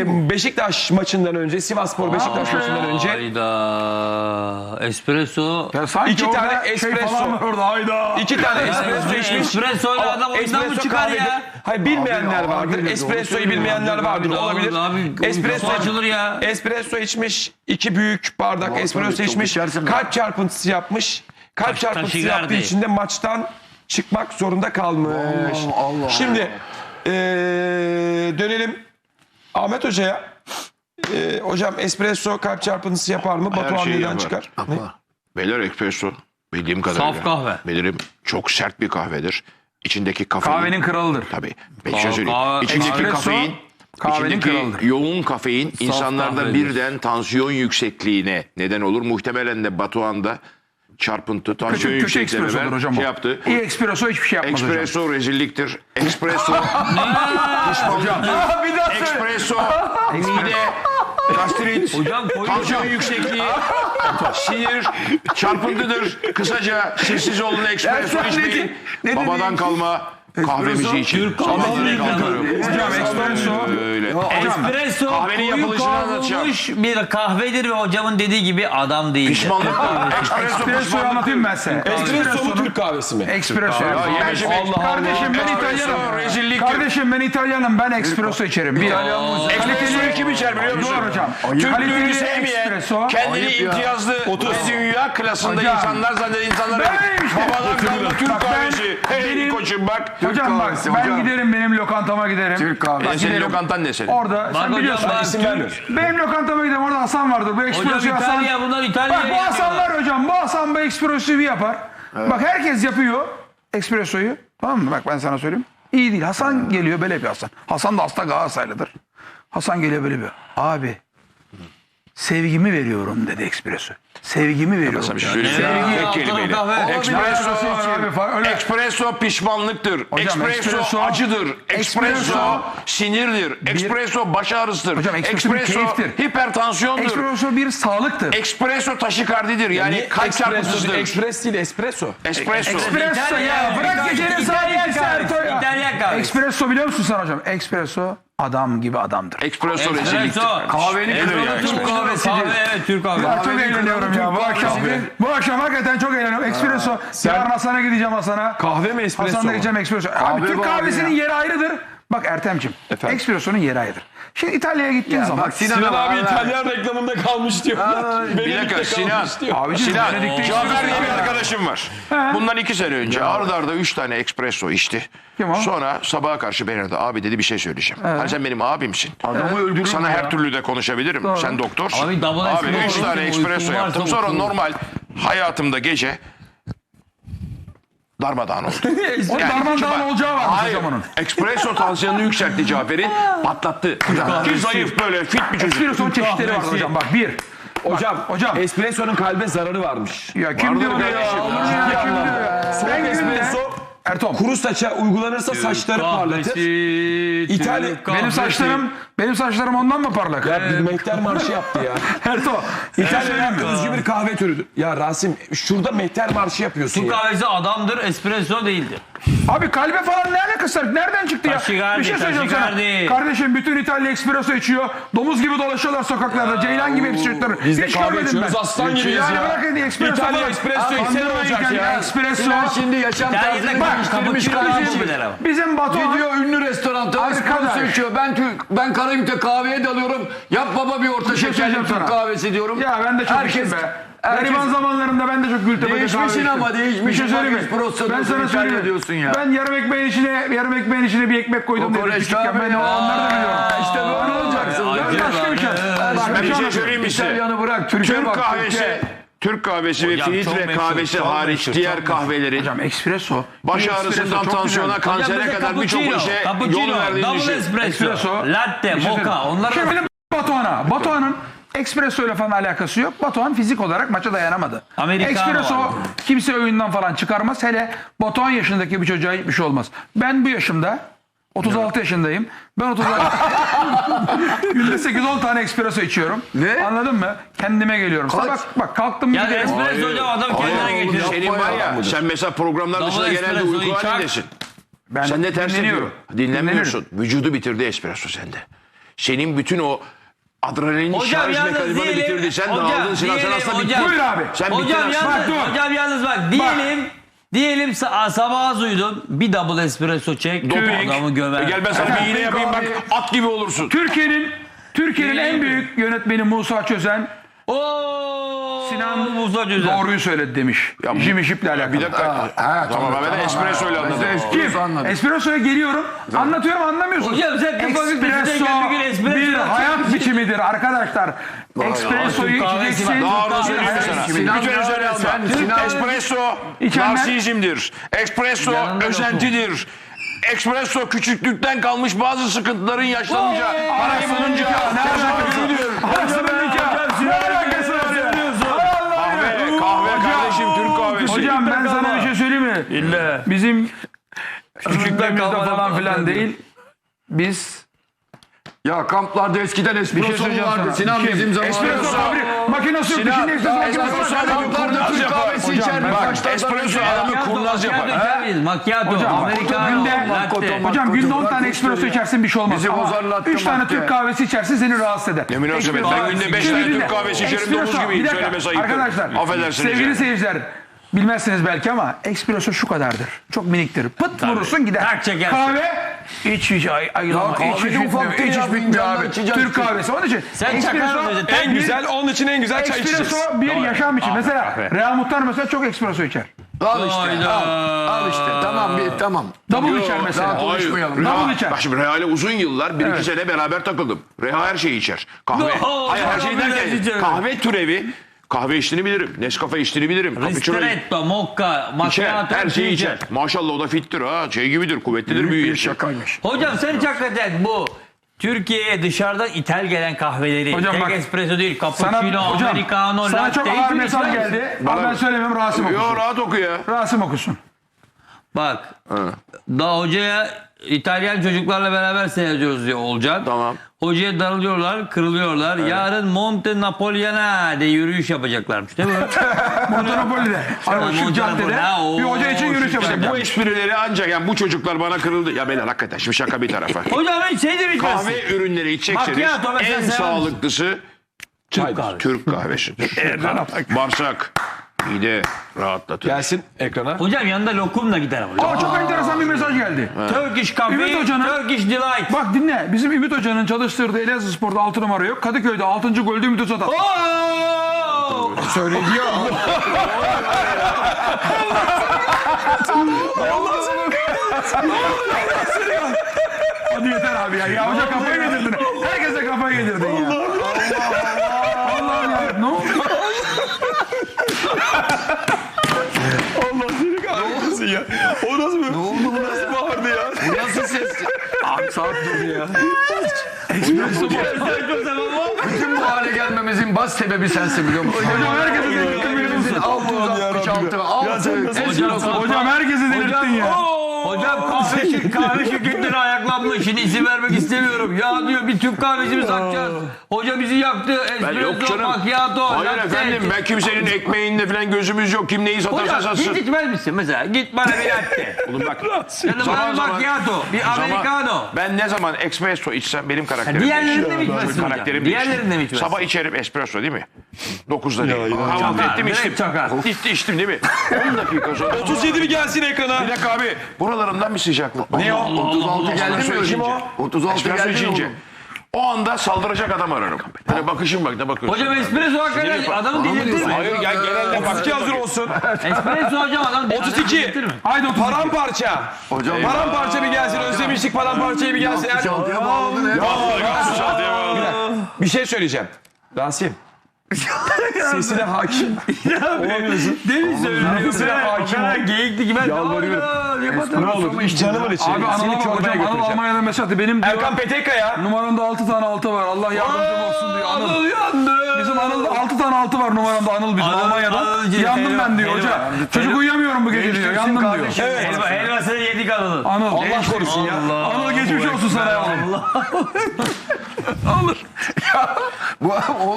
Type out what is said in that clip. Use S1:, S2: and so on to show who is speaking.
S1: Beşiktaş maçından önce, Sivasspor Beşiktaş maçından önce
S2: Hayda. Espresso.
S3: Ya sanki
S1: İki
S3: orada
S1: tane espresso.
S3: falan var orada hayda.
S1: 2 tane espresso içmiş.
S2: Espresso ile
S1: Ama
S2: adam oyundan mı
S1: espresso
S2: çıkar
S1: kahvedir.
S2: ya?
S1: Hayır, bilmeyenler
S3: Abi,
S1: vardır.
S3: abi,
S1: Espresso'yu
S3: doğru
S1: bilmeyenler
S3: söylüyor.
S1: vardır.
S2: Abi,
S1: Olabilir.
S2: abi,
S1: Espresso
S2: kafa açılır ya.
S1: Espresso içmiş. 2 büyük bardak
S3: Vallahi
S1: espresso
S3: çok
S1: içmiş.
S3: içersin
S1: Kalp çarpıntısı yapmış. Kalp çarpıntısı
S2: taşigardi.
S1: yaptığı için de maçtan çıkmak zorunda kalmış.
S3: Allah.
S1: Şimdi dönelim Ahmet Hoca'ya. Hocam espresso kalp çarpıntısı yapar mı? Batuhan
S4: şeyi
S1: neden
S4: yapar.
S1: çıkar?
S4: Beyler espresso bildiğim kadarıyla.
S2: Saf kahve.
S4: Bilirim çok sert bir kahvedir. İçindeki kafein.
S3: Kahvenin kralıdır.
S4: Tabii. Ben bir şey söyleyeyim.
S2: Kahve-
S4: İçindeki
S3: espresso
S4: kafein.
S3: kahvenin
S4: içindeki
S3: kralıdır.
S4: yoğun kafein insanlarda
S2: kahvedir.
S4: birden tansiyon yüksekliğine neden olur. Muhtemelen de Batuhan'da çarpıntı, tansiyon
S3: Kötü
S4: yüksekliğine
S3: espressodur hocam
S4: şey
S3: o.
S4: yaptı.
S3: İyi espresso hiçbir şey yapmaz hocam.
S4: Espresso rezilliktir. Espresso
S3: Hocam. Bir daha söyle.
S4: espresso mide, gastrit,
S2: Hocam koyun.
S4: tansiyon yüksekliği, sinir, çarpıntıdır. Kısaca sessiz olun, espresso
S3: Ya sen
S4: içmeyin.
S3: ne dedin?
S4: Babadan kalma kahvemizi için.
S2: Türk
S4: Sabahları
S2: kahvesi
S4: kalkıyorum.
S3: Hocam espresso.
S4: Öyle.
S2: Espresso
S4: Kahvenin
S2: koyu
S4: yapılışını anlatacağım.
S2: kavrulmuş bir kahvedir ve hocamın dediği gibi adam değil.
S4: Pişmanlık. Espresso
S3: Espresso'yu
S4: pişmanlık.
S3: anlatayım ben size.
S1: Espresso mu Türk kahvesi mi?
S3: Espresso.
S4: yemeci mi?
S3: Kardeşim ben
S4: Espresso
S3: İtalyanım.
S4: rezilliktir.
S3: Kardeşim ben İtalyanım. Ben espresso içerim.
S4: Espressoyu kim içer biliyor musun?
S3: Doğru hocam.
S4: Türklüğünü
S3: Kaliteli
S4: sevmeyen,
S3: espresso.
S4: kendini imtiyazlı ve dünya klasında
S3: Hocam.
S4: insanlar zanneden insanlara
S3: Ben işte.
S4: babadan kalma Türk
S3: Bak ben-
S4: kahvesi. Hey
S3: benim-
S4: koçum bak.
S3: Hocam bak
S4: kahvesi,
S3: ben
S4: hocam.
S3: giderim benim lokantama giderim.
S4: Türk kahvesi.
S3: Bak,
S4: Senin
S3: giderim.
S4: lokantan ne senin?
S3: Orada sen
S2: hocam,
S3: biliyorsun.
S2: bak,
S1: İsim vermiyor.
S3: Benim lokantama giderim orada Hasan vardır. Bu espressoyu
S2: Hocam
S3: Hasan.
S2: İtalya bunlar
S3: Bak
S2: İtalya'ya
S3: bu Hasan
S2: yapıyorlar.
S3: var hocam. Bu Hasan bu espressoyu yapar. Bak herkes yapıyor espressoyu. Tamam mı? Bak ben sana söyleyeyim. İyi değil. Hasan geliyor böyle bir Hasan. Hasan da hasta Galatasaraylıdır. Hasan geliyor böyle bir. Abi sevgimi veriyorum dedi espresso. Sevgimi veriyorum.
S4: Sana bir şey söyleyeyim.
S3: Sevgi-
S4: Tek kelimeyle. Espresso pişmanlıktır.
S3: Hocam,
S4: Espresso
S3: espresso-
S4: acıdır. Espresso
S3: espresso-
S4: sinirdir. Espresso baş ağrısıdır.
S3: Hocam, espresso bir keyiftir.
S4: hipertansiyondur.
S3: Espresso bir sağlıktır.
S4: Espresso taşikardidir. Yani kalp çarpıntısıdır.
S1: Ekspres değil, espresso.
S4: Espresso.
S3: Espresso ya. Bırak gecenin saat
S2: İtalyan
S3: 2'si
S2: kahvesi.
S3: Erto ya.
S2: İtalyan kahvesi.
S3: Espresso biliyor musun sen hocam? Espresso adam gibi adamdır.
S4: Espresso rezilliktir.
S2: Espresso.
S4: Kahvenin
S2: Espresso
S4: kralı ya,
S2: Türk
S4: espresso.
S2: kahvesidir. Kahve evet Türk kahvesi.
S3: Ya çok eğleniyorum ya bu akşam. Bu akşam hakikaten çok eğleniyorum. Espresso. Yarın Hasan'a gideceğim Hasan'a.
S1: Kahve mi espresso
S3: Hasan'la
S1: mu?
S3: gideceğim espresso. Abi Türk kahvesinin yeri ayrıdır. Bak Ertem'ciğim.
S1: Efendim?
S3: Espresso'nun yeri ayrıdır. Şimdi İtalya'ya gittiğin zaman.
S1: Sinan abi İtalyan reklamında kalmış diyor.
S4: Bir dakika Sinan.
S3: Abiciğim,
S4: Sinan.
S3: Venedik'te
S4: Cafer diye bir
S3: espresso-
S4: arkadaşım var. Bundan 2 sene önce arda arda 3 tane espresso içti.
S3: Kim o?
S4: Sonra sabaha karşı beni aradı. Abi dedi bir şey söyleyeceğim. Hani sen benim abimsin.
S3: Adamı öldürür
S4: Sana
S3: mü
S4: her
S3: ya?
S4: türlü de konuşabilirim.
S3: Doğru.
S4: Sen doktorsun.
S2: Abi, double
S4: Abi 3
S2: espresso
S4: tane
S2: içtim,
S4: espresso
S2: uykum
S4: yaptım.
S2: varsa
S4: Sonra
S2: uykum.
S4: normal hayatımda gece darmadağın oldu.
S3: O darmadağın
S4: çünkü-
S3: olacağı varmış
S4: Hayır.
S3: hocam onun.
S4: Espresso tansiyonunu yükseltti Cafer'in. Patlattı. Ki zayıf böyle fit bir çocuk.
S3: Espresso'nun çeşitleri var hocam. Bak bir.
S1: Hocam, espresso'nun kalbe zararı varmış.
S3: Ya kim diyor
S4: Vardır
S3: ya?
S4: kardeşim.
S3: Olur mu ya? Kim diyor ya?
S1: Soğuk
S3: Ben günde-
S1: espresso
S3: Ertom.
S1: kuru saça uygulanırsa saçları parlatır.
S3: Benim saçlarım ondan mı parlak?
S1: Ya bir mehter marşı yaptı ya.
S3: Erto.
S1: İtalya'da özgü bir kahve türüdür. Ya Rasim şurada mehter marşı yapıyorsun
S2: Türk
S1: ya.
S2: kahvesi adamdır, espresso değildir.
S3: Abi kalbe falan ne alakası var? Nereden çıktı ya?
S2: Taşigardi,
S3: Bir şey söyleyeceğim sana.
S2: taşigardi.
S3: Kardeşim bütün İtalya espresso içiyor. Domuz gibi dolaşıyorlar sokaklarda. Ceylan gibi hepsi
S1: Biz de
S3: Hiç
S1: kahve
S3: görmedim
S1: içiyoruz,
S3: ben.
S1: aslan gibiyiz
S3: Yani
S1: ya.
S3: bırakın espresso
S1: İtalya
S3: falan.
S1: espresso içse ne olacak ya?
S3: Espresso.
S5: Şimdi yaşam tarzını değiştirmiş kardeşim.
S3: Bizim Batuhan.
S5: Gidiyor ünlü restoranta
S3: Arkadaş.
S5: espresso içiyor. Ben Karayip'te kahveye dalıyorum. Yap baba bir orta
S3: şey
S5: şekerli
S3: söyleyeceğim
S5: Türk
S3: sana.
S5: kahvesi diyorum.
S3: Ya ben de çok
S5: Herkes-
S3: içtim be.
S5: herkes-
S3: Gariban zamanlarında ben de çok Gültepe'de kahve
S5: Değişmişsin
S3: içtim.
S5: ama, değişmişsin.
S3: Bir şey söyleyeyim mi?
S5: Bak, espresso
S3: Ben
S5: diyorsun,
S3: sana
S5: İtalya
S3: söyleyeyim.
S5: diyorsun ya.
S3: Ben yarım ekmeğin içine bir ekmek koydum dedim
S5: Kokoreç
S3: küçükken.
S5: abi
S3: Ben
S5: ya.
S3: onları da biliyorum.
S5: İşte böyle olacaksın.
S3: Ben başka bir şey.
S4: Ben bir şey söyleyeyim mi size?
S5: İtalyanı bırak. Türkiye
S4: Türk
S5: bak.
S4: kahvesi, Türk kahvesi ve
S2: Hocam, çok
S4: filtre
S2: meşhur,
S4: kahvesi
S2: çok
S4: hariç
S2: meşhur,
S4: diğer
S2: çok
S4: kahvelerin
S3: Hocam espresso.
S4: baş
S3: Espresso
S4: ağrısından
S3: çok
S4: tansiyona,
S3: güzel.
S4: kansere kadar birçok işe yol verdiğini
S2: double
S4: düşün.
S2: espresso, latte, mocha. Onlar
S3: Şimdi benim Batuhan'ın espresso ile falan alakası yok. Batuhan fizik olarak maça dayanamadı.
S2: Americano
S3: Espresso
S2: var.
S3: kimse oyundan falan çıkarmaz. Hele Batuhan yaşındaki bir çocuğa hiçbir şey olmaz. Ben bu yaşımda 36 yaşındayım. Ben 36 günde 8-10 tane espresso içiyorum.
S5: Ne?
S3: Anladın mı? Kendime geliyorum. Sabah bak kalktım mı
S2: Ya
S3: giderim.
S2: espresso hocam adam kendine getirir.
S4: Senin var ya, sen mesela programlar
S2: Double
S4: dışında genelde
S2: espresso
S4: uyku
S2: içer.
S4: halindesin.
S3: Ben
S4: Sen de ters
S3: dinleniyorum.
S4: yapıyorsun. Dinlenmiyorsun. Vücudu bitirdi espresso sende. senin bütün o adrenalin
S2: Hocam
S4: şarj
S2: yalnız
S4: mekanizmanı
S2: diyelim.
S4: bitirdi. Sen
S2: Hocam,
S4: dağıldın Sinan, sen
S2: diyelim,
S4: aslında
S2: hocam.
S4: bittin.
S3: Buyur abi.
S4: Sen
S2: Hocam
S4: bittin
S2: yalnız,
S4: aslında.
S3: Bak, dur.
S2: hocam yalnız bak. Diyelim sabah az uyudun. Bir double espresso çek.
S4: Doping.
S2: Adamı gömer.
S4: Gel ben sana bir iğne yapayım bak, at gibi olursun.
S3: Türkiye'nin en büyük yönetmeni Musa Çözen Sinan
S2: Musa Cüzen.
S3: doğruyu söyledi demiş. Jimmy Ship'le alakalı.
S4: Bir dakika. Tamam ben de espresso ile anladım.
S3: Kim? Espresso'ya geliyorum. Anlatıyorum anlamıyorsun.
S2: Hocam sen
S3: Espresso bir hayat biçimidir arkadaşlar. Espresso'yu içeceksin.
S4: Daha onu
S3: Bir
S4: söyleyeyim
S3: hayat
S4: sana.
S3: biçimidir.
S4: Bütün üzerine alma. Espresso
S3: İçenler-
S4: narsizmdir. Espresso
S2: Yanında
S4: özentidir. Espresso küçüklükten kalmış bazı sıkıntıların yaşlanınca, parayı bulunca,
S3: Arasının nikahı. Ne alakası var ya?
S4: kahve kardeşim, Türk kahvesi.
S3: Hocam ben sana bir şey söyleyeyim mi? İlle. Bizim küçüklüğümüzde falan filan değil. Biz
S5: Ya kamplarda eskiden espresso mu
S3: söyleyeceğim
S5: vardı?
S3: sana.
S5: Sinan
S3: Kim?
S5: bizim zamanımızda.
S3: espresso makinesi yok.
S4: Sinan,
S3: Şimdi espresso
S4: espresso
S3: makinesi
S4: sadece
S3: var.
S4: kamplarda
S5: Türk
S4: yapar.
S5: kahvesi
S3: Hocam,
S5: içerdik.
S3: bak,
S5: Başlardan
S4: espresso
S5: önce.
S4: adamı kurnaz yapar.
S2: Macchiato,
S3: Hocam,
S2: americano,
S3: günde-
S2: latte.
S3: Hocam günde 10 tane espresso içersin bir şey olmaz.
S5: Bizi
S3: Ama
S5: bozarlattı
S3: 3 tane
S5: madde.
S3: Türk kahvesi içersin seni rahatsız eder.
S4: Ne münasebet, ben günde 5 tane Türk kahvesi içerim, domuz gibiyim, söylemesi ayıptır.
S3: Arkadaşlar,
S4: Affedersiniz
S3: sevgili
S4: yani.
S3: seyirciler, bilmezsiniz belki ama espresso şu kadardır. Çok miniktir. Pıt vurursun gider.
S2: Tak çekersin.
S3: Kahve iç ayılama.
S5: kahve
S3: İç
S5: de
S3: bitmiyor.
S5: ufak değil
S3: İç
S5: ya,
S3: bitmiyor
S5: fincanla
S3: abi.
S5: içeceksin.
S3: Türk kahvesi. Onun için
S2: Sen çakar mısın?
S1: En güzel, onun için en güzel çay içeceğiz.
S3: Espresso bir yaşam için. Mesela Real Muhtar mesela çok espresso içer.
S5: Al işte.
S2: Hayda.
S5: Al işte. Tamam tamam.
S3: Double içer mesela.
S5: Daha konuşmayalım.
S3: Double içer.
S4: Bak şimdi Real'e uzun yıllar, 1-2 sene beraber takıldım. Reha her şeyi içer. Kahve.
S2: No,
S4: Hayır her şeyi
S2: kahve
S4: derken
S2: içer.
S4: kahve türevi. Kahve içtiğini bilirim. Nescafe içtiğini bilirim. Cappuccino
S2: Ristretto, mocca,
S4: içer.
S2: macchiato.
S4: Her şeyi içer. Maşallah o da fittir ha. Şey gibidir, kuvvetlidir, büyük yaşar.
S5: Şakaymış.
S2: Hocam sen hiç hakikaten bu Türkiye'ye dışarıdan ithal gelen kahveleri,
S3: Hocam
S2: tek
S3: bak,
S2: espresso değil,
S3: Sana,
S2: cappuccino,
S3: hocam,
S2: americano,
S3: sana
S2: latte.
S3: çok ağır mesaj geldi. Ama ben söylemiyorum Rasim
S4: Yo
S3: okusun.
S4: rahat oku ya.
S3: Rasim okusun.
S2: Bak, daha hocaya İtalyan çocuklarla beraber seyrediyoruz diyor Olcan.
S4: Tamam.
S2: Hocaya darılıyorlar, kırılıyorlar. Yarın Monte Napoleon'a de yürüyüş yapacaklarmış değil mi?
S3: Monopoli'de. Hani o şu
S2: Monte
S3: caddede
S2: Napoleon,
S3: bir hoca için yürüyüş
S2: şu
S3: yapacak.
S4: Bu esprileri ancak yani bu çocuklar bana kırıldı. Ya beyler hakikaten şimdi şaka bir tarafa.
S2: Hocam hiç şey de bitmez.
S4: Kahve ürünleri içecekseniz
S2: Macchiato mesela
S4: en
S2: sever
S4: sağlıklısı
S2: Türk kahvesi.
S4: Türk kahvesidir. Bağırsak, mide rahatlatır.
S1: Gelsin ekrana.
S2: Hocam yanında lokumla gider ama.
S3: Aa, çok enteresan bir mesaj geldi.
S2: Turkish Coffee,
S3: Ümit Hoca'nın-
S2: Turkish Delight.
S3: Bak dinle. Bizim Ümit Hoca'nın çalıştırdığı Elazığ Spor'da 6 numara yok. Kadıköy'de 6. golde Ümit Hoca da.
S2: Oo!
S1: Söylediyor.
S3: Hadi yeter abi ya. Ya hoca kafayı yedirdin. Herkese kafayı yedirdin ya. Allah ya. Ne oldu?
S1: Allah seni kahretsin ya. O nasıl bir... Ne oldu bu nasıl bağırdı ya?
S5: Nasıl ses?
S3: Abi saat durdu ya.
S5: Bütün bu hale gelmemizin baş sebebi sensin biliyor musun?
S3: Hocam herkese delirttin biliyor musun?
S5: 666
S3: Hocam herkese delirttin ya.
S2: Hocam kahve şirketleri ayaklanmış. Şimdi isim vermek istemiyorum. Ya diyor bir Türk kahvesi mi satacağız? Hoca bizi yaktı.
S4: Yok
S2: Espresso,
S4: canım.
S2: macchiato,
S4: Hayır
S2: latte.
S4: efendim ben kimsenin ekmeğinde falan gözümüz yok. Kim neyi satarsa
S2: Hocam
S4: satsın.
S2: hiç içmez misin mesela? Git bana bir latte.
S4: Oğlum bak.
S2: Ya da bana bir macchiato, bir americano.
S4: Ben ne zaman espresso içsem benim karakterim
S2: Diğerlerinde mi
S4: değişir.
S2: içmezsin hocam?
S4: Karakterim
S2: Diğerlerinde mi
S4: değişir.
S2: içmezsin?
S4: Sabah içerim espresso değil mi? 9'da değil. Kahvaltı
S2: Çakar,
S4: ettim
S2: direkt
S4: içtim.
S2: çakar.
S4: İçtim değil mi? 10 dakika sonra.
S1: 37 bir gelsin ekrana.
S4: Bir dakika abi. Buralarından bir sıcaklık.
S1: Ne o?
S5: 36 geldi mi
S4: Espresso
S5: öyle?
S4: içince.
S5: 36
S4: Espresso
S5: geldi mi
S4: içince.
S5: oğlum?
S4: O anda saldıracak adam ararım. Böyle bakışım bak ne bakıyorsun?
S2: Hocam espresso hakikaten adamı delirtir mi?
S1: Hayır gel genelde bakçı hazır olsun.
S2: Espresso hocam adam
S1: 32.
S2: delirtir mi?
S3: Haydi 32.
S1: Paramparça.
S5: Hocam
S1: Paramparça bir gelsin. Özlemiştik paramparçayı bir gelsin. Yani-
S5: 36'ya bağladın hep.
S1: Bir şey söyleyeceğim. Rasim. Sesine hakim. Olamıyorsun.
S2: Demin söylüyorum.
S1: Sesine hakim ol.
S2: Geyikti ki ben
S1: Ne olur canımın içi.
S3: Abi
S1: Seni
S3: Anıl'a bak
S1: çorbaya
S3: hocam. Anıl
S1: götüreceğim.
S3: Almanya'da mesaj attı. Benim diyor.
S1: Erkan Petekkaya.
S3: Numaramda 6 tane altı var. Allah yardımcım olsun diyor. Anıl.
S2: yandı.
S3: Bizim Anıl'da 6 tane altı var numaramda Anıl bizim Almanya'dan. Yandım ben diyor hoca. Çocuk uyuyamıyorum bu gece diyor. Yandım diyor.
S2: Evet. Helvasını yedik Anıl'ın.
S3: Anıl.
S1: Allah korusun ya.
S3: Anıl geçmiş olsun sana yavrum.
S5: Bu